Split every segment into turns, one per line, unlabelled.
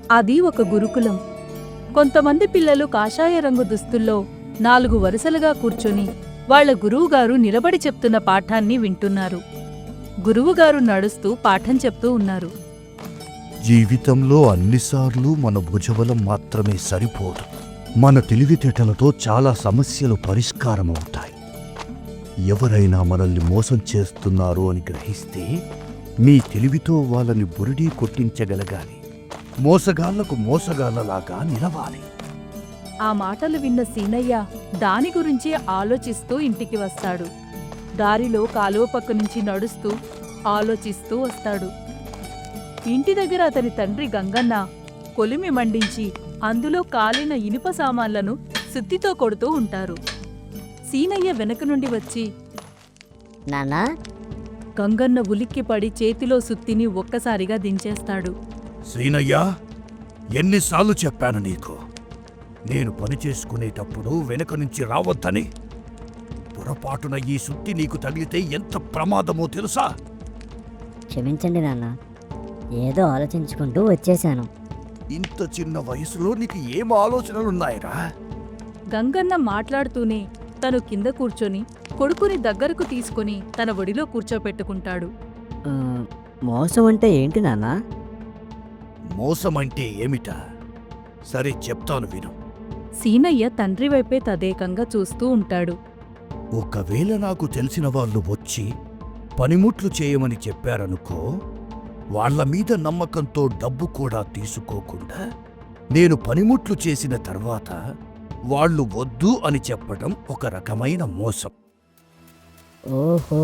అది ఒక గురుకులం. కొంతమంది పిల్లలు కాషాయ రంగు దుస్తుల్లో 4 వరుసలుగా కూర్చొని వాళ్ల గురువుగారు నిలబడి చెప్తున్న పాఠాన్ని వింటున్నారు. గురువుగారు నడుస్తూ పాఠం చెప్తూ ఉన్నారు.
జీవితంలో అన్నిసార్లు మన భుజబలం మాత్రమే సరిపోదు. మన తెలివితేటలతో చాలా సమస్యలు పరిష్కారమవుతాయి. ఎవరైనా మనల్ని మోసం చేస్తున్నారు అని గ్రహిస్తే మీ తెలివితో వాళ్ళని బురిడీ కొట్టించగలగాలి. మోసగాళ్లకు మోసగాళ్లలాగా నిలవాలి.
ఆ మాటలు విన్న సీనయ్య దాని గురించి ఆలోచిస్తూ ఇంటికి వస్తాడు. దారిలో కాలువ పక్క నుంచి నడుస్తూ ఆలోచిస్తూ వస్తాడు. ఇంటి దగ్గర అతని తండ్రి గంగన్న కొలిమి మండించి అందులో కాలిన ఇనుప సామాన్లను సుత్తితో కొడుతూ ఉంటారు. సీనయ్య వెనక నుండి వచ్చి,
నాన్నా,
గంగన్న ఉలిక్కిపడి చేతిలో సుత్తిని ఒక్కసారిగా దించేస్తాడు.
శ్రీనయ్యా, ఎన్నిసార్లు చెప్పాను నీకు, నేను పనిచేసుకునేటప్పుడు వెనక నుంచి రావద్దని. పొరపాటున ఈ సుత్తి నీకు తగిలితే ఎంత ప్రమాదమో తెలుసా?
క్షమించండి నాన్న, ఏదో ఆలోచించుకుంటూ వచ్చేశాను.
ఇంత చిన్న వయసులో నీకు ఏం ఆలోచనలున్నాయిరా?
గంగన్న మాట్లాడుతూనే తను కింద కూర్చొని కొడుకుని దగ్గరకు తీసుకుని తన ఒడిలో కూర్చోపెట్టుకుంటాడు.
ఆ, మోసం అంటే ఏంటి నాన్నా?
మోసమంటే ఏమిటా? సరే చెప్తాను విను.
సీనయ్య తండ్రి వైపే తదేకంగా చూస్తూ ఉంటాడు.
ఒకవేళ నాకు తెలిసిన వాళ్ళు వచ్చి పనిముట్లు చేయమని చెప్పారనుకో, వాళ్ల మీద నమ్మకంతో డబ్బు కూడా తీసుకోకుండా నేను పనిముట్లు చేసిన తర్వాత వాళ్ళు వద్దు అని చెప్పడం ఒక రకమైన మోసం.
ఓహో,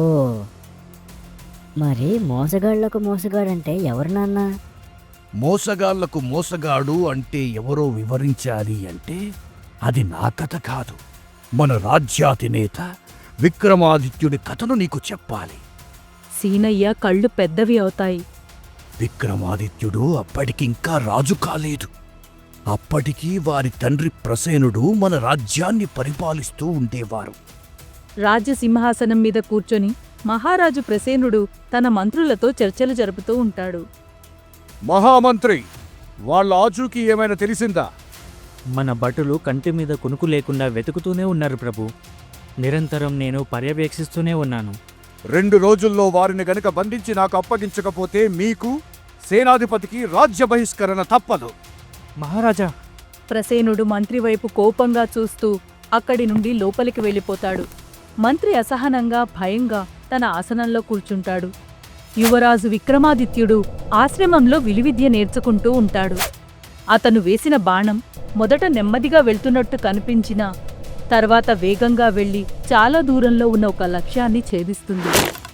మరి మోసగాళ్లకు మోసగాడంటే ఎవరు నాన్నా?
మోసగాళ్లకు మోసగాడు అంటే ఎవరో వివరించాలి అంటే అది నా కథ కాదు, మన రాజ్యాధినేత విక్రమాదిత్యుడి కథను నీకు చెప్పాలి.
సీనయ్య కళ్ళు పెద్దవి అవుతాయి.
విక్రమాదిత్యుడు అప్పటికింకా రాజు కాలేదు. అప్పటికీ వారి తండ్రి ప్రసేనుడు మన రాజ్యాన్ని పరిపాలిస్తూ ఉండేవారు.
రాజ్యసింహాసనం మీద కూర్చొని మహారాజు ప్రసేనుడు తన మంత్రులతో చర్చలు జరుపుతూ ఉంటాడు.
మహామంత్రి, వాళ్ళ ఆచూకీ ఏమైనా తెలిసిందా?
మన భటులు కంటి మీద కునుకు లేకుండా వెతుకుతూనే ఉన్నారు ప్రభు. నిరంతరం నేను పర్యవేక్షిస్తూనే ఉన్నాను.
2 రోజుల్లో వారిని గనుక బంధించి నాకు అప్పగించకపోతే మీకు, సేనాధిపతికి రాజ్య బహిష్కరణ తప్పదు.
మహారాజా,
ప్రసేనుడు మంత్రి వైపు కోపంగా చూస్తూ అక్కడి నుండి లోపలికి వెళ్ళిపోతాడు. మంత్రి అసహనంగా భయంగా తన ఆసనంలో కూర్చుంటాడు. యువరాజు విక్రమాదిత్యుడు ఆశ్రమంలో విలువిద్య నేర్చుకుంటూ ఉంటాడు. అతను వేసిన బాణం మొదట నెమ్మదిగా వెళ్తున్నట్టు కనిపించినా తర్వాత వేగంగా వెళ్లి చాలా దూరంలో ఉన్న ఒక లక్ష్యాన్ని ఛేదిస్తుంది.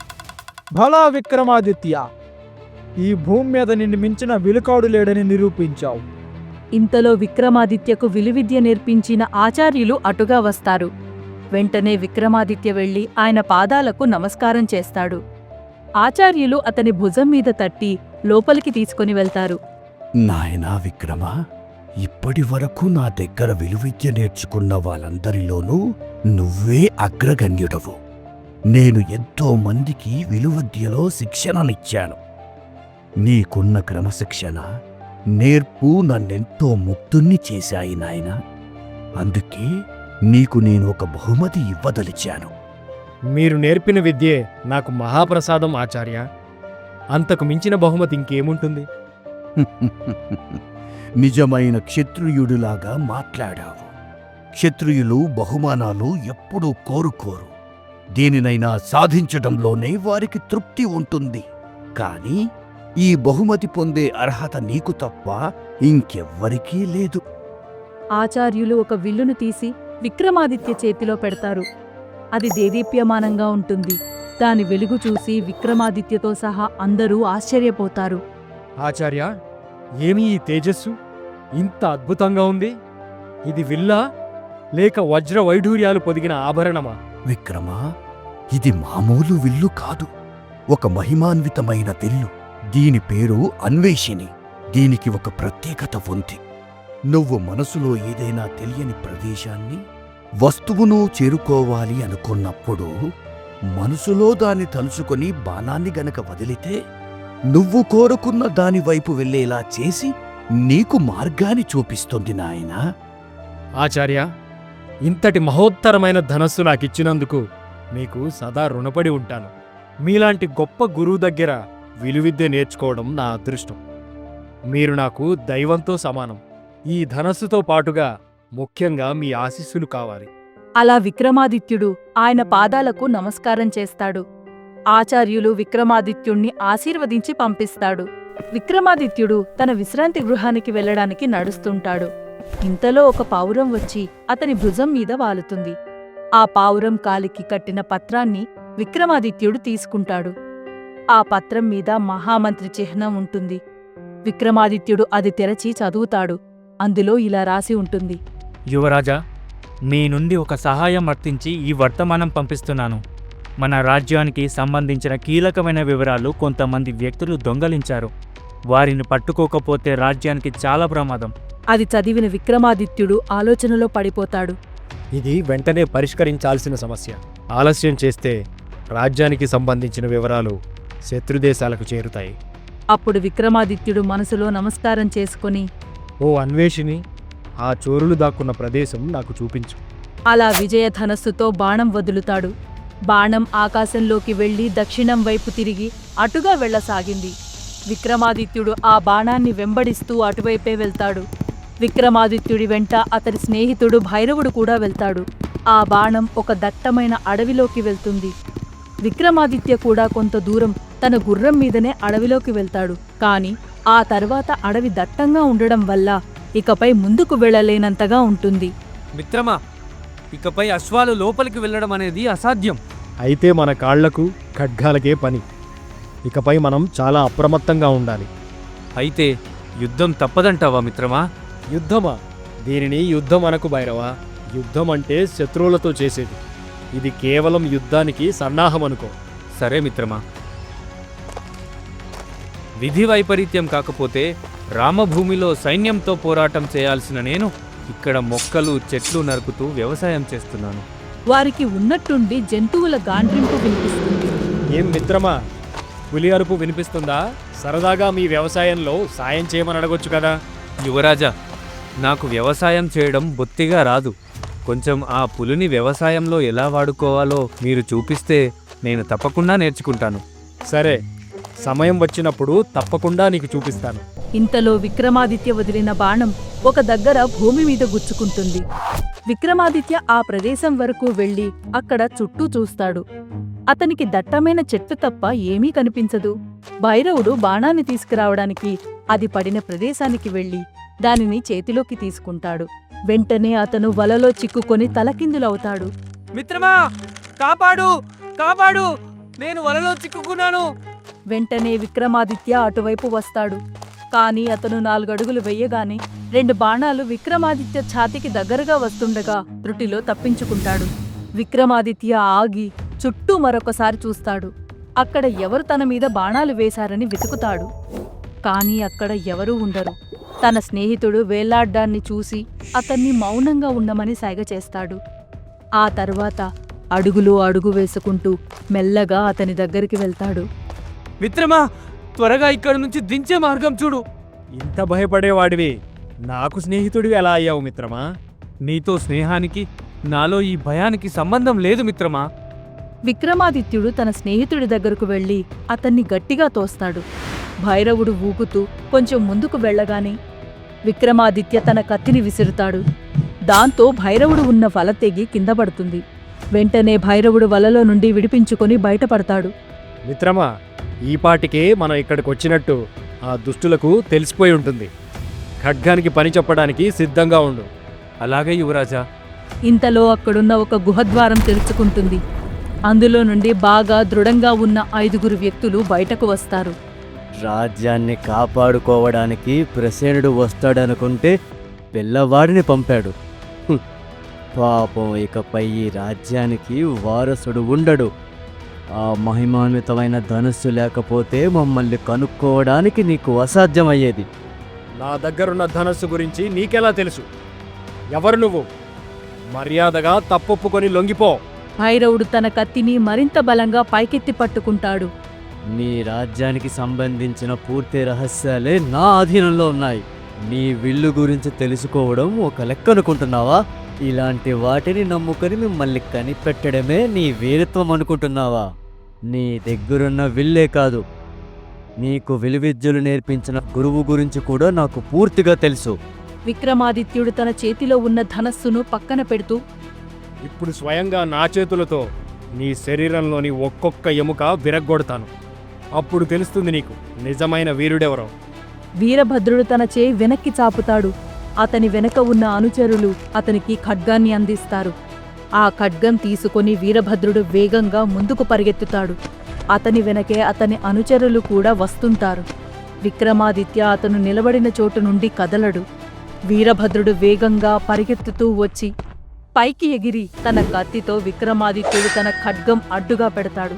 భలా విక్రమాదిత్య, ఈ భూమి మీద నిన్ను మించిన విలుకాడు లేడని నిరూపించావు.
ఇంతలో విక్రమాదిత్యకు విలువిద్య నేర్పించిన ఆచార్యులు అటుగా వస్తారు. వెంటనే విక్రమాదిత్య వెళ్లి ఆయన పాదాలకు నమస్కారం చేస్తాడు. ఆచార్యులు అతని భుజం మీద తట్టి లోపలికి తీసుకుని వెళ్తారు.
నాయనా విక్రమా, ఇప్పటి వరకు నా దగ్గర విలువిద్య నేర్చుకున్న వాళ్ళందరిలోనూ నువ్వే అగ్రగణ్యుడవు. నేను ఎంతో మందికి విలువిద్యలో శిక్షణనిచ్చాను. నీకున్న క్రమశిక్షణ, నేర్పు నన్నెంతో ముక్తుణ్ణి చేశాయి నాయనా. అందుకే నీకు నేను ఒక బహుమతి ఇవ్వదలిచాను.
మీరు నేర్పిన విద్యే నాకు మహాప్రసాదం ఆచార్య. అంతకు మించిన బహుమతి ఇంకేముంటుంది?
నిజమైన క్షత్రియుడిలాగా మాట్లాడావు. క్షత్రియులు బహుమానాలు ఎప్పుడూ కోరుకోరు. దేనినైనా సాధించడంలోనే వారికి తృప్తి ఉంటుంది. కాని ఈ బహుమతి పొందే అర్హత నీకు తప్ప ఇంకెవ్వరికీ లేదు.
ఆచార్యులు ఒక విల్లును తీసి విక్రమాదిత్య చేతిలో పెడతారు. అది దేదీప్యమానంగా ఉంటుంది. దాని వెలుగు చూసి విక్రమాదిత్యతో సహా అందరూ ఆశ్చర్యపోతారు.
ఆచార్య, ఏమి ఈ తేజస్సు ఇంత అద్భుతంగా ఉంది? ఇది విల్లా లేక వజ్ర వైఢూర్యాలు పొదిగిన ఆభరణమా?
విక్రమా, ఇది మామూలు విల్లు కాదు, ఒక మహిమాన్వితమైన విల్లు. దీని పేరు అన్వేషిణి. దీనికి ఒక ప్రత్యేకత ఉంది. నువ్వు మనసులో ఏదైనా తెలియని ప్రదేశాన్ని, వస్తువును చేరుకోవాలి అనుకున్నప్పుడు మనసులో దాన్ని తలుచుకొని బాణాన్ని గనక వదిలితే నువ్వు కోరుకున్న దానివైపు వెళ్ళేలా చేసి నీకు మార్గాన్ని చూపిస్తుంది నాయనా.
ఆచార్య, ఇంతటి మహోత్తరమైన ధనస్సు నాకిచ్చినందుకు మీకు సదా రుణపడి ఉంటాను. మీలాంటి గొప్ప గురువు దగ్గర విలువిద్య నేర్చుకోవడం నా అదృష్టం. మీరు నాకు దైవంతో సమానం. ఈ ధనస్సుతో పాటుగా ముఖ్యంగా మీ ఆశీస్సులు కావాలి.
అలా విక్రమాదిత్యుడు ఆయన పాదాలకు నమస్కారం చేస్తాడు. ఆచార్యులు విక్రమాదిత్యుణ్ణి ఆశీర్వదించి పంపిస్తాడు. విక్రమాదిత్యుడు తన విశ్రాంతి గృహానికి వెళ్ళడానికి నడుస్తుంటాడు. ఇంతలో ఒక పావురం వచ్చి అతని భుజం మీద వాలుతుంది. ఆ పావురం కాలికి కట్టిన పత్రాన్ని విక్రమాదిత్యుడు తీసుకుంటాడు. ఆ పత్రం మీద మహామంత్రి చిహ్నం ఉంటుంది. విక్రమాదిత్యుడు అది తెరచి చదువుతాడు. అందులో ఇలా రాసి ఉంటుంది:
యువరాజా, మీ నుండి ఒక సహాయం అర్థించి ఈ వర్తమానం పంపిస్తున్నాను. మన రాజ్యానికి సంబంధించిన కీలకమైన వివరాలు కొంతమంది వ్యక్తులు దొంగలించారు. వారిని పట్టుకోకపోతే రాజ్యానికి చాలా ప్రమాదం.
అది చదివిన విక్రమాదిత్యుడు ఆలోచనలో పడిపోతాడు.
ఇది వెంటనే పరిష్కరించాల్సిన సమస్య. ఆలస్యం చేస్తే రాజ్యానికి సంబంధించిన వివరాలు శత్రుదేశాలకు చేరుతాయి.
అప్పుడు విక్రమాదిత్యుడు మనసులో నమస్కారం చేసుకుని,
ఓ అన్వేషిని, ఆ చోరులు దాక్కున్న ప్రదేశం నాకు చూపించు.
అలా విజయధనస్సుతో బాణం వదులుతాడు. బాణం ఆకాశంలోకి వెళ్లి దక్షిణం వైపు తిరిగి అటుగా వెళ్లసాగింది. విక్రమాదిత్యుడు ఆ బాణాన్ని వెంబడిస్తూ అటువైపే వెళ్తాడు. విక్రమాదిత్యుడి వెంట అతడి స్నేహితుడు భైరవుడు కూడా వెళ్తాడు. ఆ బాణం ఒక దట్టమైన అడవిలోకి వెళ్తుంది. విక్రమాదిత్య కూడా కొంత దూరం తన గుర్రం మీదనే అడవిలోకి వెళ్తాడు. కాని ఆ తర్వాత అడవి దట్టంగా ఉండడం వల్ల ఇకపై ముందుకు వెళ్ళలేనంతగా ఉంటుంది.
మిత్రమా, ఇకపై అశ్వాలు లోపలికి వెళ్ళడం అనేది అసాధ్యం.
అయితే మన కాళ్లకు ఖడ్గాలకే పని. ఇకపై మనం చాలా అప్రమత్తంగా ఉండాలి.
అయితే యుద్ధం తప్పదంటావా మిత్రమా?
యుద్ధమా? దీనిని యుద్ధం అనకు భైరవా. యుద్ధం అంటే శత్రువులతో చేసేది. ఇది కేవలం యుద్ధానికి సన్నాహం అనుకో.
సరే మిత్రమా. విధి వైపరీత్యం కాకపోతే రామభూమిలో సైన్యంతో పోరాటం చేయాల్సిన నేను ఇక్కడ మొక్కలు చెట్లు నరుకుతూ వ్యవసాయం చేస్తున్నాను.
వారికి ఉన్నట్టుండి జంతువుల గాండ్రింపు వినిపిస్తుంది.
ఏం మిత్రమా, పులి అరుపు వినిపిస్తుందా? సరదాగా మీ వ్యవసాయంలో సాయం చేయమని అడగొచ్చు కదా.
యువరాజా, నాకు వ్యవసాయం చేయడం బొత్తిగా రాదు. కొంచెం ఆ పులిని వ్యవసాయంలో ఎలా వాడుకోవాలో మీరు చూపిస్తే నేను తప్పకుండా నేర్చుకుంటాను.
సరే, సమయం వచ్చినప్పుడు తప్పకుండా నీకు చూపిస్తాను.
ఇంతలో విక్రమాదిత్య వదిలిన బాణం ఒక దగ్గర భూమి మీద గుచ్చుకుంటుంది. విక్రమాదిత్య ఆ ప్రదేశం వరకు వెళ్లి అక్కడ చుట్టూ చూస్తాడు. అతనికి దట్టమైన చెట్టు తప్ప ఏమీ కనిపించదు. భైరవుడు బాణాన్ని తీసుకురావడానికి అది పడిన ప్రదేశానికి వెళ్లి దానిని చేతిలోకి తీసుకుంటాడు. వెంటనే అతను వలలో చిక్కుకొని తలకిందులవుతాడు.
మిత్రమా, కాపాడు కాపాడు, నేను వలలో చిక్కుకున్నాను.
వెంటనే విక్రమాదిత్య అటువైపు వస్తాడు. కాని అతను 4 అడుగులు వెయ్యగానే 2 బాణాలు విక్రమాదిత్య ఛాతీకి దగ్గరగా వస్తుండగా త్రుటిలో తప్పించుకుంటాడు. విక్రమాదిత్య ఆగి చుట్టూ మరొకసారి చూస్తాడు. అక్కడ ఎవరు తన మీద బాణాలు వేశారని వెతుకుతాడు. కాని అక్కడ ఎవరూ ఉండరు. తన స్నేహితుడు వేలాడ్డాన్ని చూసి అతన్ని మౌనంగా ఉండమని సైగ చేస్తాడు. ఆ తర్వాత అడుగులో అడుగు వేసుకుంటూ మెల్లగా అతని దగ్గరికి వెళ్తాడు.
మిత్రమా, త్వరగా ఇక్కడి నుంచి దించే మార్గం చూడు.
ఇంత భయపడేవాడివి నాకు స్నేహితుడివి ఎలా అయ్యావు మిత్రమా?
నీతో స్నేహానికి నాలో ఈ భయానికి సంబంధం లేదు మిత్రమా.
విక్రమాదిత్యుడు తన స్నేహితుడి దగ్గరకు వెళ్లి అతన్ని గట్టిగా తోస్తాడు. భైరవుడు ఊగుతూ కొంచెం ముందుకు వెళ్లగానే విక్రమాదిత్య తన కత్తిని విసురుతాడు. దాంతో భైరవుడు ఉన్న వల తెగి కింద పడుతుంది. వెంటనే భైరవుడు వలలో నుండి విడిపించుకొని బయటపడతాడు.
మిత్రమా, ఈపాటికే మనం ఇక్కడికొచ్చినట్టు ఆ దుష్టులకు తెలిసిపోయి ఉంటుంది. ఖడ్గానికి పని చెప్పడానికి సిద్ధంగా ఉండు.
అలాగే యువరాజా.
ఇంతలో అక్కడున్న ఒక గుహద్వారం తెరుచుకుంటుంది. అందులో నుండి బాగా దృఢంగా ఉన్న 5 వ్యక్తులు బయటకు వస్తారు.
రాజ్యాన్ని కాపాడుకోవడానికి ప్రసేనుడు వస్తాడనుకుంటే పిల్లవాడిని పంపాడు. పాపం, ఇకపై ఈ రాజ్యానికి వారసుడు ఉండడు. ఆ మహిమాన్వితమైన ధనుస్సు లేకపోతే మమ్మల్ని కనుక్కోవడానికి నీకు అసాధ్యమయ్యేది.
నా దగ్గరున్న ధనస్సు గురించి నీకెలా తెలుసు? ఎవరు నువ్వు? మర్యాదగా తప్పొప్పుకొని లొంగిపో.
భైరవుడు తన కత్తిని మరింత బలంగా పైకెత్తి పట్టుకుంటాడు.
మీ రాజ్యానికి సంబంధించిన పూర్తి రహస్యాలే నా అధీనంలో ఉన్నాయి. నీ విల్లు గురించి తెలుసుకోవడం ఒక లెక్క అనుకుంటున్నావా? ఇలాంటి వాటిని నమ్ముకొని మిమ్మల్ని కనిపెట్టడమే నీ వీరత్వం అనుకుంటున్నావా? నీ దగ్గరున్న విల్లే కాదు, నీకు విలువిద్యలు నేర్పించిన గురువు గురించి కూడా నాకు పూర్తిగా తెలుసు.
విక్రమాదిత్యుడు తన చేతిలో ఉన్న ధనస్సును పక్కన పెడుతూ,
ఇప్పుడు స్వయంగా నా చేతులతో నీ శరీరంలోని ఒక్కొక్క ఎముక విరగ్గొడతాను. అప్పుడు తెలుస్తుంది నీకు నిజమైన వీరుడెవరో.
వీరభద్రుడు తన చేయి వెనక్కి చాపుతాడు. అతని వెనక ఉన్న అనుచరులు అతనికి ఖడ్గాన్ని అందిస్తారు. ఆ ఖడ్గం తీసుకొని వీరభద్రుడు వేగంగా ముందుకు పరిగెత్తుతాడు. అతని వెనకే అతని అనుచరులు కూడా వస్తుంటారు. విక్రమాదిత్య అతను నిలబడిన చోటు నుండి కదలడు. వీరభద్రుడు వేగంగా పరిగెత్తుతూ వచ్చి పైకి ఎగిరి తన కత్తితో విక్రమాదిత్యుడు తన ఖడ్గం అడ్డుగా పెడతాడు.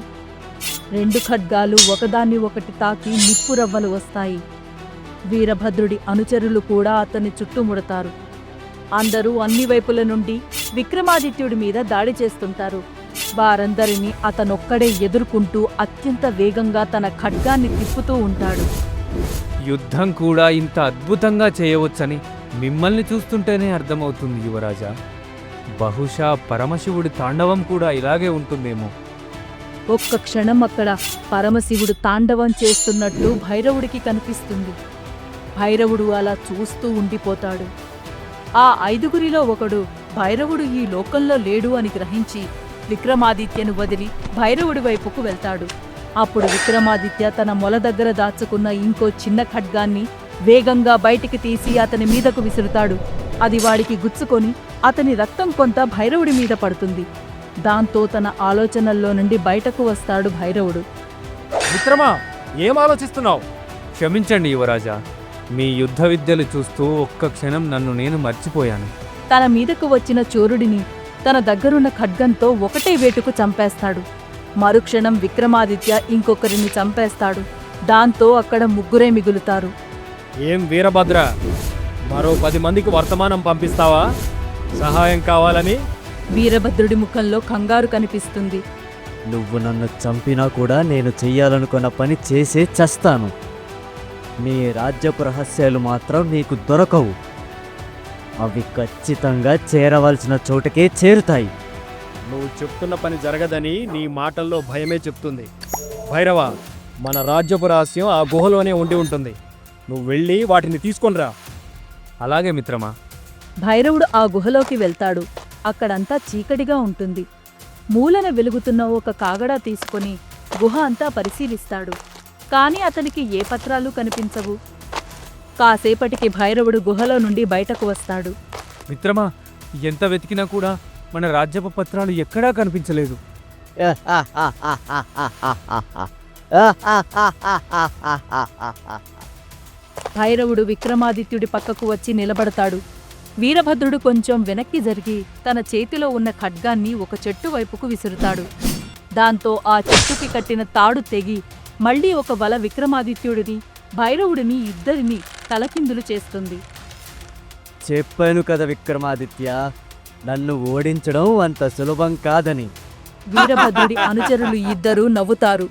2 ఖడ్గాలు ఒకదాన్ని ఒకటి తాకి నిప్పురవ్వలు వస్తాయి. వీరభద్రుడి అనుచరులు కూడా అతన్ని చుట్టుముడతారు. అందరూ అన్ని వైపుల నుండి విక్రమాదిత్యుడి మీద దాడి చేస్తుంటారు. వారందరినీ అతనొక్కడే ఎదుర్కొంటూ అత్యంత వేగంగా తన ఖడ్గాన్ని తిప్పుతూ ఉంటాడు.
యుద్ధం కూడా ఇంత అద్భుతంగా చేయవచ్చని మిమ్మల్ని చూస్తుంటేనే అర్థమవుతుంది యువరాజా. బహుశా పరమశివుడి తాండవం కూడా ఇలాగే ఉంటుందేమో.
ఒక్క క్షణం అక్కడ పరమశివుడు తాండవం చేస్తున్నట్లు భైరవుడికి కనిపిస్తుంది. భైరవుడు అలా చూస్తూ ఉండిపోతాడు. ఆ 5గురిలో ఒకడు భైరవుడు ఈ లోకంలో లేడు అని గ్రహించి విక్రమాదిత్యను వదిలి భైరవుడి వైపుకు వెళ్తాడు. అప్పుడు విక్రమాదిత్య తన మొల దగ్గర దాచుకున్న ఇంకో చిన్న ఖడ్గాన్ని వేగంగా బయటికి తీసి అతని మీదకు విసురుతాడు. అది వాడికి గుచ్చుకొని అతని రక్తం కొంత భైరవుడి మీద పడుతుంది. దాంతో తన ఆలోచనల్లో నుండి బయటకు వస్తాడు భైరవుడు.
మిత్రమా, ఏం ఆలోచిస్తున్నావు?
క్షమించండి యువరాజా, మీ యుద్ధ విద్యలు చూస్తూ ఒక్క క్షణం నన్ను నేను మర్చిపోయాను.
తన మీదకు వచ్చిన చోరుడిని తన దగ్గరున్న ఖడ్గంతో ఒకటే వేటుకు చంపేస్తాడు. మరుక్షణం విక్రమాదిత్య ఇంకొకరిని చంపేస్తాడు. దాంతో అక్కడ 3 మిగులుతారు.
ఏం వీరభద్ర, మరో 10 మందికి వర్తమానం పంపిస్తావా సహాయం కావాలని?
వీరభద్రుడి ముఖంలో కంగారు కనిపిస్తుంది.
నువ్వు నన్ను చంపినా కూడా నేను చెయ్యాలనుకున్న పని చేసే చస్తాను. నీ రాజ్యపు రహస్యాలు మాత్రం నీకు దొరకవు. అవి ఖచ్చితంగా చేరవలసిన చోటకే చేరుతాయి.
నువ్వు చెప్తున్న పని జరగదని నీ మాటల్లో భయమే చెప్తుంది. భైరవ, మన రాజ్యపు రహస్యం ఆ గుహలోనే ఉండి ఉంటుంది. నువ్వు వెళ్ళి వాటిని తీసుకొనిరా.
అలాగే మిత్రమా.
భైరవుడు ఆ గుహలోకి వెళ్తాడు. అక్కడంతా చీకటిగా ఉంటుంది. మూలన వెలుగుతున్న ఒక కాగడా తీసుకొని గుహ అంతా పరిశీలిస్తాడు. కాని అతనికి ఏ పత్రాలు కనిపించవు. కాసేపటికి భైరవుడు గుహలో నుండి బయటకు వస్తాడు.
మిత్రమా, ఎంత వెతికినా కూడా మన రాజ్యపు పత్రాలు ఎక్కడా కనిపించలేదు.
భైరవుడు విక్రమాదిత్యుడి పక్కకు వచ్చి నిలబడతాడు. వీరభద్రుడు కొంచెం వెనక్కి జరిగి తన చేతిలో ఉన్న ఖడ్గాన్ని ఒక చెట్టు వైపుకు విసురుతాడు. దాంతో ఆ చెట్టుకి కట్టిన తాడు తెగి మళ్లీ ఒక వల విక్రమాదిత్యుడిని భైరవుడిని ఇద్దరిని తలకిందులు చేస్తుంది.
చెప్పాను కదా విక్రమాదిత్య, నన్ను ఓడించడం అంత సులభం కాదని.
వీరభద్రుడి అనుచరులు ఇద్దరూ నవ్వుతారు.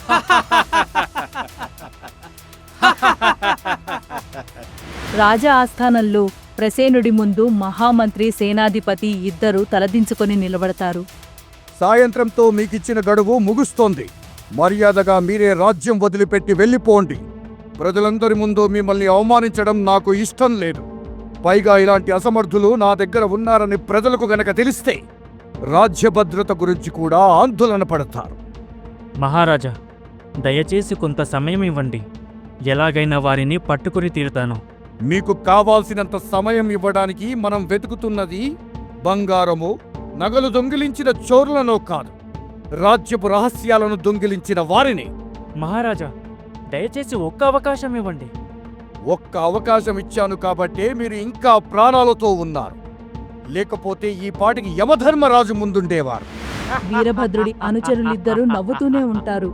రాజా ఆస్థానంలో ప్రసేనుడి ముందు మహామంత్రి సేనాధిపతి ఇద్దరూ తలదించుకొని నిలబడతారు.
సాయంత్రంతో మీకిచ్చిన గడువు ముగుస్తోంది. మర్యాదగా మీరే రాజ్యం వదిలిపెట్టి వెళ్ళిపోండి. ప్రజలందరి ముందు మిమ్మల్ని అవమానించడం నాకు ఇష్టం లేదు. పైగా ఇలాంటి అసమర్థులు నా దగ్గర ఉన్నారని ప్రజలకు గనక తెలిస్తే రాజ్య భద్రత గురించి కూడా ఆందోళన పడతారు.
మహారాజా, దయచేసి కొంత సమయం ఇవ్వండి. ఎలాగైనా వారిని పట్టుకుని తీరుతాను.
మీకు కావాల్సినంత సమయం ఇవ్వడానికి మనం వెతుకుతున్నది బంగారము, నగలు దొంగిలించిన చోరులనో కాదు, రాజ్యపు రహస్యాలను దొంగిలించిన వారిని.
మహారాజా, దయచేసి ఒక్క అవకాశం ఇవ్వండి.
ఒక్క అవకాశం ఇచ్చాను కాబట్టే మీరు ఇంకా ప్రాణాలతో ఉన్నారు. లేకపోతే ఈ పాటికి యమధర్మరాజు ముందుండేవారు.
వీరభద్రుడి అనుచరులిద్దరూ నవ్వుతూనే ఉంటారు.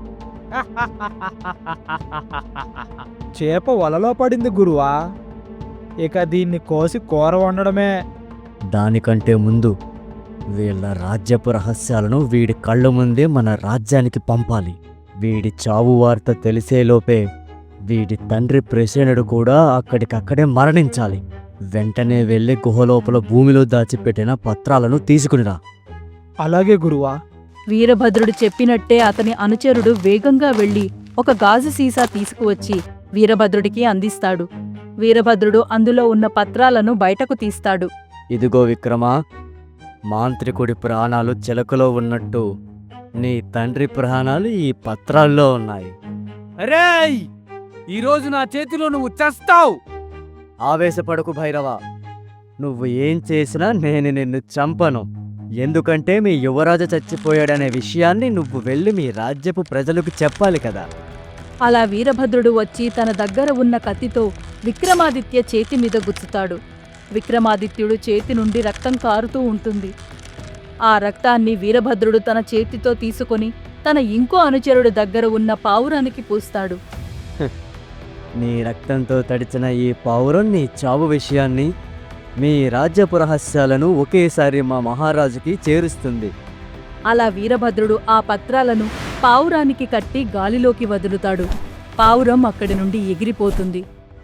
చేప వలలో పడింది గురువా, ఇక దీన్ని కోసి కూర వండడమే.
దానికంటే ముందు వీళ్ళ రాజ్యపు రహస్యాలను వీడి కళ్ళ ముందే మన రాజ్యానికి పంపాలి. వీడి చావు వార్త తెలిసేలోపే వీడి తండ్రి ప్రసేనుడు కూడా అక్కడికక్కడే మరణించాలి. వెంటనే వెళ్ళి గుహలోపల భూమిలో దాచిపెట్టిన పత్రాలను తీసుకునిరా.
అలాగే గురువా.
వీరభద్రుడు చెప్పినట్టే అతని అనుచరుడు వేగంగా వెళ్లి ఒక గాజు సీసా తీసుకువచ్చి వీరభద్రుడికి అందిస్తాడు. వీరభద్రుడు అందులో ఉన్న పత్రాలను బయటకు తీస్తాడు.
ఇదిగో విక్రమా, మాంత్రికుడి ప్రాణాలు చిలకలో ఉన్నట్టు నీ తండ్రి ప్రాణాలు ఈ పత్రాల్లో ఉన్నాయి.
అరేయ్, ఈరోజు నా చేతిలో నువ్వు చస్తావు.
ఆవేశపడకు భైరవ, నువ్వు ఏం చేసినా నేను నిన్ను చంపను. ఎందుకంటే మీ యువరాజు చచ్చిపోయాడనే విషయాన్ని నువ్వు వెళ్ళి మీ రాజ్యపు ప్రజలకు చెప్పాలి కదా.
అలా వీరభద్రుడు వచ్చి తన దగ్గర ఉన్న కత్తితో విక్రమాదిత్య చేతి మీద గుచ్చుతాడు. విక్రమాదిత్యుడు చేతి నుండి రక్తం కారుతూ ఉంటుంది. ఆ రక్తాన్ని వీరభద్రుడు తన చేతితో తీసుకొని తన ఇంకో అనుచరుడు దగ్గర ఉన్న పావురానికి పూస్తాడు.
నీ రక్తంతో తడిచిన ఈ పావురం నీ చావు విషయాన్ని, మీ రాజ్యపు రహస్యాలను ఒకేసారి మా మహారాజుకి చేరుస్తుంది.
అలా వీరభద్రుడు ఆ పత్రాలను పావురానికి కట్టి గాలిలోకి వదులుతాడు. పావురం అక్కడి నుండి ఎగిరిపోతుంది.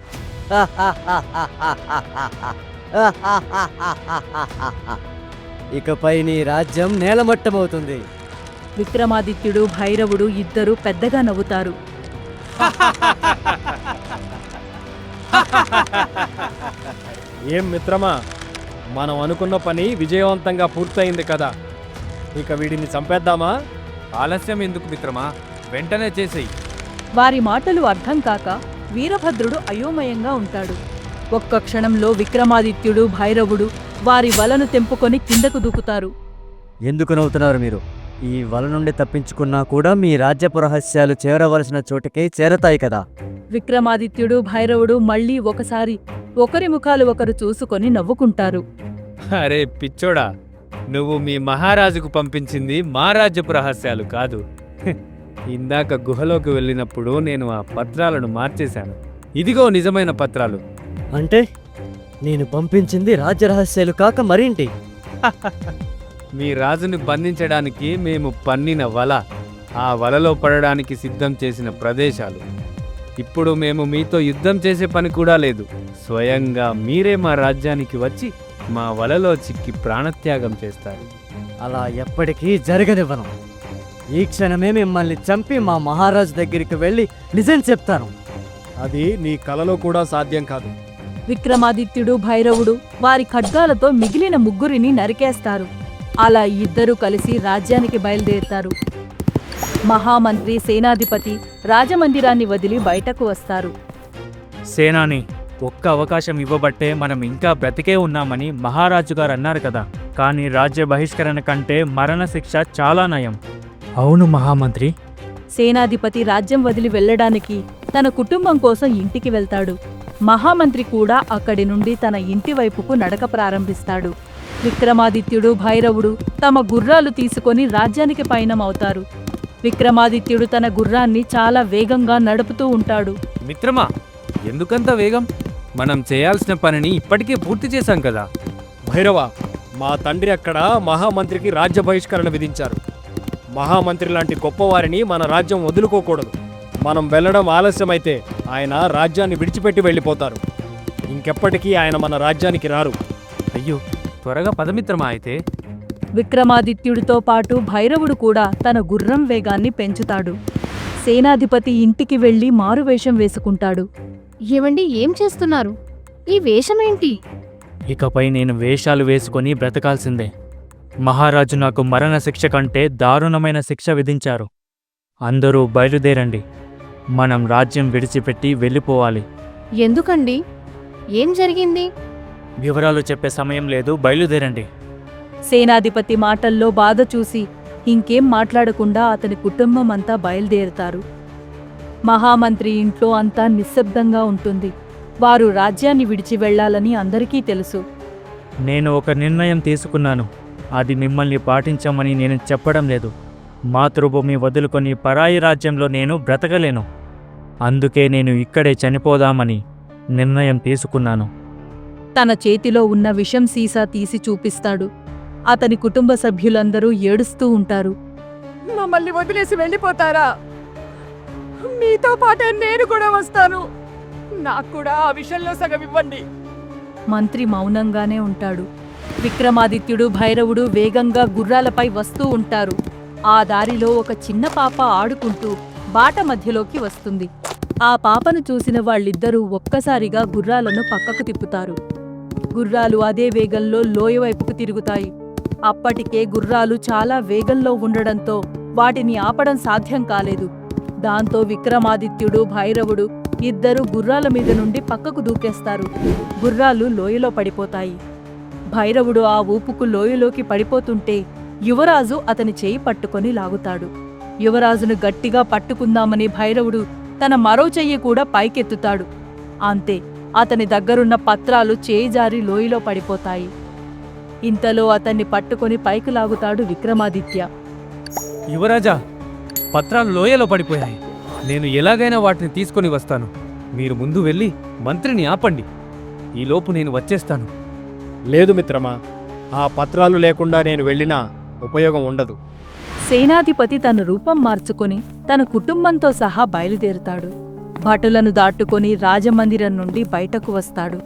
ఇకపై నీ రాజ్యం నేలమట్టమవుతుంది.
విక్రమాదిత్యుడు భైరవుడు ఇద్దరూ పెద్దగా నవ్వుతారు.
ఏం మిత్రమా, మనం అనుకున్న పని విజయవంతంగా పూర్తయింది కదా. ఇక వీడిని చంపేద్దామా?
ఆలస్యం ఎందుకు మిత్రమా, వెంటనే చేసేయి.
వారి మాటలు అర్థం కాక వీరభద్రుడు అయోమయంగా ఉంటాడు. ఒక్క క్షణంలో విక్రమాదిత్యుడు భైరవుడు వారి వలను తెంపుకొని కిందకు దూకుతారు.
ఎందుకు నవ్వుతున్నారు మీరు? ఈ వల నుండి తప్పించుకున్నా కూడా మీ రాజ్యపు రహస్యాలు చేరవలసిన చోటుకే చేరతాయి కదా.
విక్రమాదిత్యుడు భైరవుడు మళ్ళీ ఒకసారి ఒకరి ముఖాలు ఒకరు చూసుకొని నవ్వుకుంటారు.
అరే పిచ్చోడా, నువ్వు మీ మహారాజుకు పంపించింది మా రాజ్యపు రహస్యాలు కాదు. ఇందాక గుహలోకి వెళ్ళినప్పుడు నేను ఆ పత్రాలను మార్చేశాను. ఇదిగో నిజమైన పత్రాలు.
అంటే నేను పంపించింది రాజ్య రహస్యాలు కాక మరేంటి?
మీ రాజుని బంధించడానికి మేము పన్నిన వల, ఆ వలలో పడడానికి సిద్ధం చేసిన ప్రదేశాలు. ఇప్పుడు మేము మీతో యుద్ధం చేసే పని కూడా లేదు. స్వయంగా మీరే మా రాజ్యానికి వచ్చి మా వలలో చిక్కి ప్రాణత్యాగం చేస్తారు.
అలా ఎప్పటికీ జరగనివ్వను. ఈ క్షణమే మిమ్మల్ని చంపి మా మహారాజు దగ్గరికి వెళ్ళి నిజం చెప్తాను.
అది నీ కలలో కూడా సాధ్యం కాదు.
విక్రమాదిత్యుడు భైరవుడు వారి ఖడ్గాలతో మిగిలిన ముగ్గురిని నరికేస్తారు. అలా ఇద్దరూ కలిసి రాజ్యానికి బయలుదేరుతారు. మహామంత్రి సేనాధిపతి రాజమందిరాన్ని వదిలి బయటకు వస్తారు.
సేనాని, ఒక్క అవకాశం ఇవ్వబట్టే మనం ఇంకా బ్రతికే ఉన్నామని మహారాజు గారు అన్నారు కదా. కానీ రాజ్య బహిష్కరణ కంటే మరణశిక్ష చాలా నయం. అవును మహామంత్రి.
సేనాధిపతి రాజ్యం వదిలి వెళ్ళడానికి తన కుటుంబం కోసం ఇంటికి వెళ్తాడు. మహామంత్రి కూడా అక్కడి నుండి తన ఇంటి వైపుకు నడక ప్రారంభిస్తాడు. విక్రమాదిత్యుడు భైరవుడు తమ గుర్రాలు తీసుకొని రాజ్యానికి పయనమవుతారు. విక్రమాదిత్యుడు తన గుర్రాన్ని చాలా వేగంగా నడుపుతూ ఉంటాడు.
మిత్రమా, ఎందుకంత వేగం? మనం చేయాల్సిన పనిని ఇప్పటికే పూర్తి చేశాం కదా.
భైరవ, మా తండ్రి అక్కడ మహామంత్రికి రాజ్య బహిష్కరణ విధించారు. మహామంత్రి లాంటి గొప్పవారిని మన రాజ్యం వదులుకోకూడదు. మనం వెళ్ళడం ఆలస్యమైతే ఆయన రాజ్యాన్ని విడిచిపెట్టి వెళ్ళిపోతారు. ఇంకెప్పటికీ ఆయన మన రాజ్యానికి రారు.
అయ్యో, త్వరగా పదమిత్రమా అయితే.
విక్రమాదిత్యుడితో పాటు భైరవుడు కూడా తన గుర్రం వేగాన్ని పెంచుతాడు. సేనాధిపతి ఇంటికి వెళ్లి మారువేషం వేసుకుంటాడు.
ఏమండి, ఏం చేస్తున్నారు? ఈ వేషమేంటి?
ఇకపై నేను వేషాలు వేసుకొని బ్రతకాల్సిందే. మహారాజు నాకు మరణశిక్ష కంటే దారుణమైన శిక్ష విధించారు. అందరూ బయలుదేరండి. మనం రాజ్యం విడిచిపెట్టి వెళ్ళిపోవాలి.
ఎందుకండి? ఏం జరిగింది?
వివరాలు చెప్పే సమయం లేదు, బయలుదేరండి.
సేనాధిపతి మాటల్లో బాధ చూసి ఇంకేం మాట్లాడకుండా అతని కుటుంబం అంతా బయలుదేరుతారు. మహామంత్రి ఇంట్లో అంతా నిశ్శబ్దంగా ఉంటుంది. వారు రాజ్యాన్ని విడిచి వెళ్లాలని అందరికీ తెలుసు.
నేను ఒక నిర్ణయం తీసుకున్నాను. అది మిమ్మల్ని పాటించమని నేను చెప్పడం లేదు. మాతృభూమి వదులుకొని పరాయి రాజ్యంలో నేను బ్రతకలేను. అందుకే నేను ఇక్కడే చనిపోదామని నిర్ణయం తీసుకున్నాను.
తన చేతిలో ఉన్న విషం సీసా తీసి చూపిస్తాడు. అతని కుటుంబ సభ్యులందరూ ఏడుస్తూ ఉంటారు.
మమ్మల్ని వదిలేసి వెళ్ళిపోతారా?
మీతో పాటే నేను కూడా వస్తాను. నాకు కూడా ఆ విషయంలో సగం ఇవ్వండి. మంత్రి మౌనంగానే ఉంటాడు. విక్రమాదిత్యుడు, భైరవుడు వేగంగా గుర్రాలపై వస్తూ ఉంటారు. ఆ దారిలో ఒక చిన్న పాప ఆడుకుంటూ బాట మధ్యలోకి వస్తుంది. ఆ పాపను చూసిన వాళ్ళిద్దరూ ఒక్కసారిగా గుర్రాలను పక్కకు తిప్పుతారు. గుర్రాలు అదే వేగంలో లోయ వైపుకు తిరుగుతాయి. అప్పటికే గుర్రాలు చాలా వేగంలో ఉండడంతో వాటిని ఆపడం సాధ్యం కాలేదు. దాంతో విక్రమాదిత్యుడు, భైరవుడు ఇద్దరు గుర్రాల మీద నుండి పక్కకు దూకేస్తారు. గుర్రాలు లోయలో పడిపోతాయి. భైరవుడు ఆ ఊపుకు లోయలోకి పడిపోతుంటే యువరాజు అతని చేయి పట్టుకొని లాగుతాడు. యువరాజును గట్టిగా పట్టుకుందామని భైరవుడు తన మరో చెయ్యి కూడా పైకెత్తుతాడు. అంతే, అతని దగ్గరున్న పత్రాలు చేయి జారి లోయలో పడిపోతాయి. ఇంతలో అతన్ని పట్టుకొని పైకి లాగుతాడు విక్రమాదిత్య.
యువరాజా, పత్రాలు లోయలో పడిపోయాయి. నేను ఎలాగైనా వాటిని తీసుకొని వస్తాను. మీరు ముందు వెళ్ళి మంత్రిని ఆపండి. ఈలోపు నేను వచ్చేస్తాను.
లేదు మిత్రమా, ఆ పత్రాలు లేకుండా నేను వెళ్ళినా ఉపయోగం ఉండదు.
సేనాధిపతి తన రూపం మార్చుకొని తన కుటుంబంతో సహా బయలుదేరుతాడు. భటులను దాటుకొని రాజమందిరం నుండి బయటకు వస్తాడు.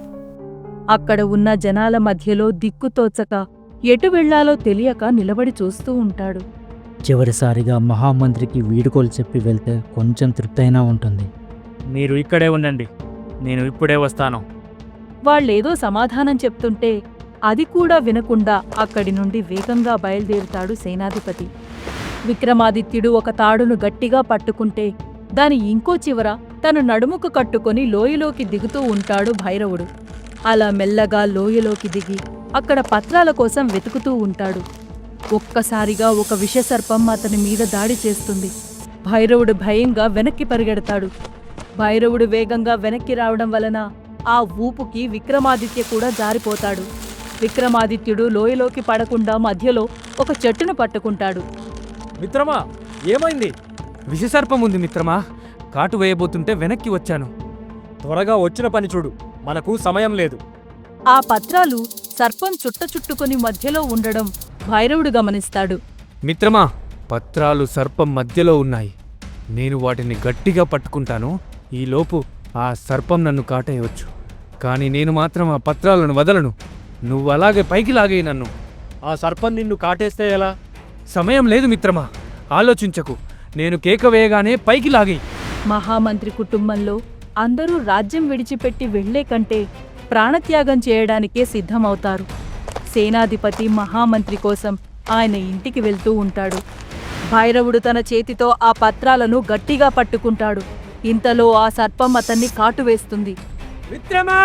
అక్కడ ఉన్న జనాల మధ్యలో దిక్కుతోచక ఎటు వెళ్లాలో తెలియక నిలబడి చూస్తూ ఉంటాడు.
చివరిసారిగా మహామంత్రికి వీడుకోలు చెప్పి వెళ్తే కొంచెం తృప్తైనా ఉంటుంది.
మీరు ఇక్కడే ఉండండి, నేను ఇప్పుడే వస్తాను.
వాళ్ళేదో సమాధానం చెప్తుంటే అది కూడా వినకుండా అక్కడి నుండి వేగంగా బయలుదేరుతాడు సేనాధిపతి. విక్రమాదిత్యుడు ఒక తాడును గట్టిగా పట్టుకుంటే దాని ఇంకో చివర తన నడుముకు కట్టుకొని లోయలోకి దిగుతూ ఉంటాడు భైరవుడు. అలా మెల్లగా లోయలోకి దిగి అక్కడ పత్రాల కోసం వెతుకుతూ ఉంటాడు. ఒక్కసారిగా ఒక విషసర్పం అతని మీద దాడి చేస్తుంది. భైరవుడు భయంగా వెనక్కి పరిగెడతాడు. భైరవుడు వేగంగా వెనక్కి రావడం వలన ఆ ఊపుకి విక్రమాదిత్య కూడా జారిపోతాడు. విక్రమాదిత్యుడు లోయలోకి పడకుండా మధ్యలో ఒక చెట్టును పట్టుకుంటాడు.
మిత్రమా, ఏమైంది?
విషసర్పం ఉంది మిత్రమా. కాటు వేయబోతుంటే వెనక్కి వచ్చాను.
త్వరగా వచ్చిన పని చూడు, మనకు సమయం లేదు.
ఆ పత్రాలు సర్పం చుట్టుకొని మధ్యలో ఉండడం భైరవుడు గమనిస్తాడు.
మిత్రమా, పత్రాలు సర్పం మధ్యలో ఉన్నాయి. నేను వాటిని గట్టిగా పట్టుకుంటాను. ఈలోపు ఆ సర్పం నన్ను కాటేయవచ్చు. కానీ నేను మాత్రం ఆ పత్రాలను వదలను. నువ్వు అలాగే పైకి లాగేయి నన్ను.
ఆ సర్పం నిన్ను కాటేస్తే ఎలా?
సమయం లేదు మిత్రమా, ఆలోచించకు. నేను కేక వేయగానే పైకి లాగేయి.
మహామంత్రి కుటుంబంలో అందరూ రాజ్యం విడిచిపెట్టి వెళ్లే కంటే ప్రాణత్యాగం చేయడానికే సిద్ధమవుతారు. సేనాధిపతి మహామంత్రి కోసం ఆయన ఇంటికి వెళ్తూ ఉంటాడు. భైరవుడు తన చేతితో ఆ పత్రాలను గట్టిగా పట్టుకుంటాడు. ఇంతలో ఆ సర్పం అతన్ని కాటువేస్తుంది.
మిత్రమా,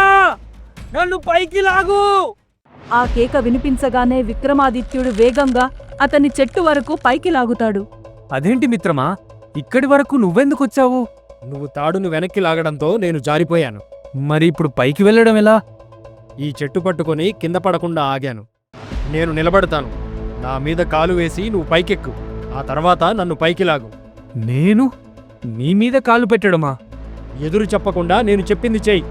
నన్ను పైకి లాగు!
ఆ కేక వినిపించగానే విక్రమాదిత్యుడు వేగంగా అతన్ని చెట్టు వరకు పైకి లాగుతాడు.
అదేంటి మిత్రమా, ఇక్కడి వరకు నువ్వెందుకొచ్చావు?
నువ్వు తాడును వెనక్కి లాగడంతో నేను జారిపోయాను.
మరి ఇప్పుడు పైకి వెళ్ళడం ఎలా?
ఈ చెట్టు పట్టుకొని కింద పడకుండా ఆగాను. నేను నిలబడతాను. నా మీద కాలు వేసి నువ్వు పైకెక్కు. ఆ తర్వాత నన్ను పైకి లాగు.
నేను నీ మీద కాలు పెట్టడమా?
ఎదురు చెప్పకుండా నేను చెప్పింది చెయ్యి.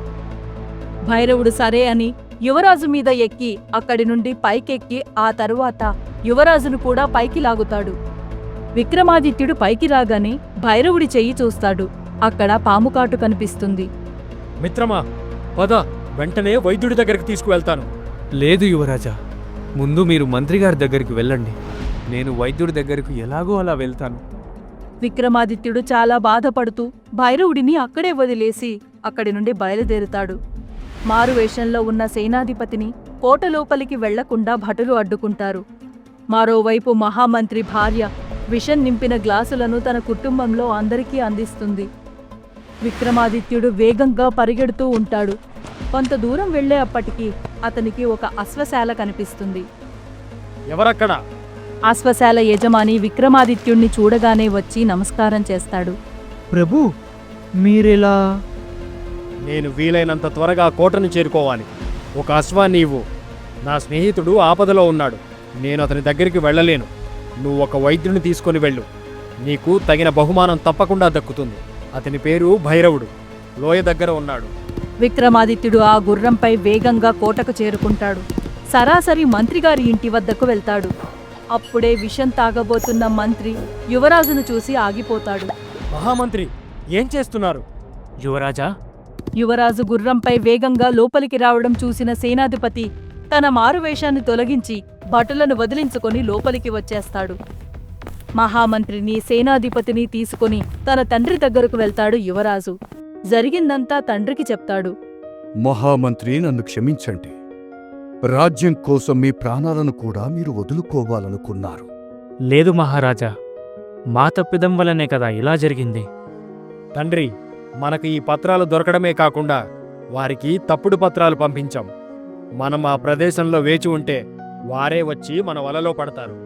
భైరవుడు సరే అని యువరాజు మీద ఎక్కి అక్కడి నుండి పైకెక్కి ఆ తరువాత యువరాజును కూడా పైకి లాగుతాడు. విక్రమాదిత్యుడు పైకి రాగానే భైరవుడి చెయ్యి చూస్తాడు. అక్కడ పాముకాటు కనిపిస్తుంది.
మిత్రమా, పద, వెంటనే వైద్యుడి దగ్గరికి తీసుకువెళ్తాను.
లేదు యువరాజా, ముందు మీరు మంత్రిగారి దగ్గరికి వెళ్ళండి. నేను వైద్యుడి దగ్గరకు ఎలాగో అలా వెళ్తాను.
విక్రమాదిత్యుడు చాలా బాధపడుతూ భైరవుడిని అక్కడే వదిలేసి అక్కడి నుండి బయలుదేరుతాడు. మారువేషంలో ఉన్న సేనాధిపతిని కోట లోపలికి వెళ్లకుండా భటులు అడ్డుకుంటారు. మరోవైపు మహామంత్రి భార్య విషం నింపిన గ్లాసులను తన కుటుంబంలో అందరికీ అందిస్తుంది. విక్రమాదిత్యుడు వేగంగా పరిగెడుతూ ఉంటాడు. కొంత దూరం వెళ్లే అప్పటికి అతనికి ఒక అశ్వశాల కనిపిస్తుంది.
ఎవరక్కడ?
అశ్వశాల యజమాని విక్రమాదిత్యుణ్ణి చూడగానే వచ్చి నమస్కారం చేస్తాడు.
ప్రభు, మీరిలా?
నేను వీలైనంత త్వరగా కోటను చేరుకోవాలి. ఒక అశ్వాన్ని ఇవ్వు. నా స్నేహితుడు ఆపదలో ఉన్నాడు. నేను అతని దగ్గరికి వెళ్ళలేను. నువ్వు ఒక వైద్యుని తీసుకొని వెళ్ళు. నీకు తగిన బహుమానం తప్పకుండా దక్కుతుంది. అతని పేరు భైరవుడు. లోయ దగ్గర ఉన్నాడు.
విక్రమాదిత్యుడు ఆ గుర్రంపై వేగంగా కోటకు చేరుకుంటాడు. సరాసరి మంత్రిగారి ఇంటి వద్దకు వెళ్తాడు. అప్పుడే విషం తాగబోతున్న మంత్రి యువరాజును చూసి ఆగిపోతాడు.
మహామంత్రి, ఏం చేస్తున్నారు?
యువరాజా,
యువరాజు గుర్రంపై వేగంగా లోపలికి రావడం చూసిన సేనాధిపతి తన మారువేషాన్ని తొలగించి భటులను వదిలించుకొని లోపలికి వచ్చేస్తాడు. మహామంత్రిని, సేనాధిపతిని తీసుకుని తన తండ్రి దగ్గరకు వెళ్తాడు యువరాజు. జరిగిందంతా తండ్రికి చెప్తాడు.
మహామంత్రి, నన్ను క్షమించండి. రాజ్యం కోసం మీ ప్రాణాలను కూడా మీరు వదులుకోవాలనుకున్నారు.
లేదు మహారాజా, మా తప్పిదం వల్లనే కదా ఇలా జరిగింది.
తండ్రి, మనకు ఈ పత్రాలు దొరకడమే కాకుండా వారికి తప్పుడు పత్రాలు పంపించాం. మనం ఆ ప్రదేశంలో వేచి ఉంటే వారే వచ్చి మన వలలో పడతారు.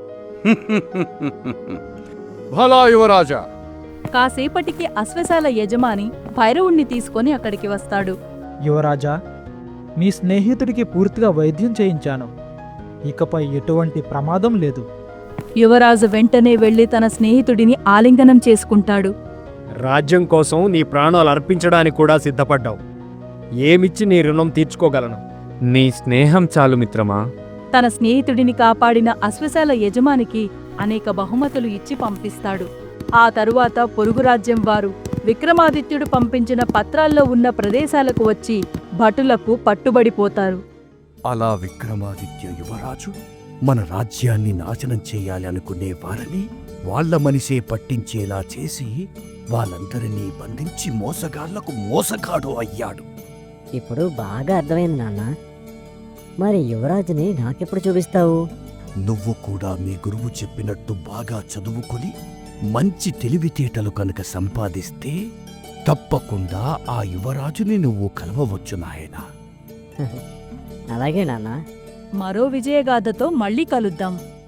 భలా యువరాజా.
కాసేపటికి అశ్వశాల యజమాని భైరవుణ్ణి తీసుకొని అక్కడికి వస్తాడు.
యువరాజా, మీ స్నేహితుడికి పూర్తిగా వైద్యం చేయించాను. ఇకపై ఎటువంటి ప్రమాదం లేదు.
యువరాజు వెంటనే వెళ్లి తన స్నేహితుడిని ఆలింగనం చేసుకుంటాడు.
రాజ్యం కోసం నీ ప్రాణాలు అర్పించడానికి కూడా సిద్ధపడ్డావు. ఏమిచ్చి నీ రుణం తీర్చుకోగలను?
నీ స్నేహం చాలు మిత్రమా.
తన స్నేహితుడిని కాపాడిన అశ్వశాల యజమానికి అనేక బహుమతులు ఇచ్చి పంపిస్తాడు. ఆ తరువాత పొరుగు రాజ్యం వారు విక్రమాదిత్యుడు పంపించిన పత్రాల్లో ఉన్న ప్రదేశాలకు వచ్చి భటులకు పట్టుబడిపోతారు.
అలా విక్రమాదిత్య యువరాజు మన రాజ్యాన్ని నాశనం చేయాలి అనుకునే వారిని వాళ్ల మనిషే పట్టించేలా చేసి వాళ్ళందరినీ బంధించి మోసగాళ్లకు మోసగాడు అయ్యాడు.
ఇప్పుడు బాగా అర్థమైంది నాన్న. మరి యువరాజుని నాకెప్పుడు చూపిస్తావు?
నువ్వు కూడా మీ గురువు చెప్పినట్టు బాగా చదువుకుని మంచి తెలివితేటలు కనుక సంపాదిస్తే తప్పకుండా ఆ యువరాజుని నువ్వు కలవవచ్చు నాయనా.
అలాగే నాన్న.
మరో విజయగాథతో మళ్ళీ కలుద్దాం.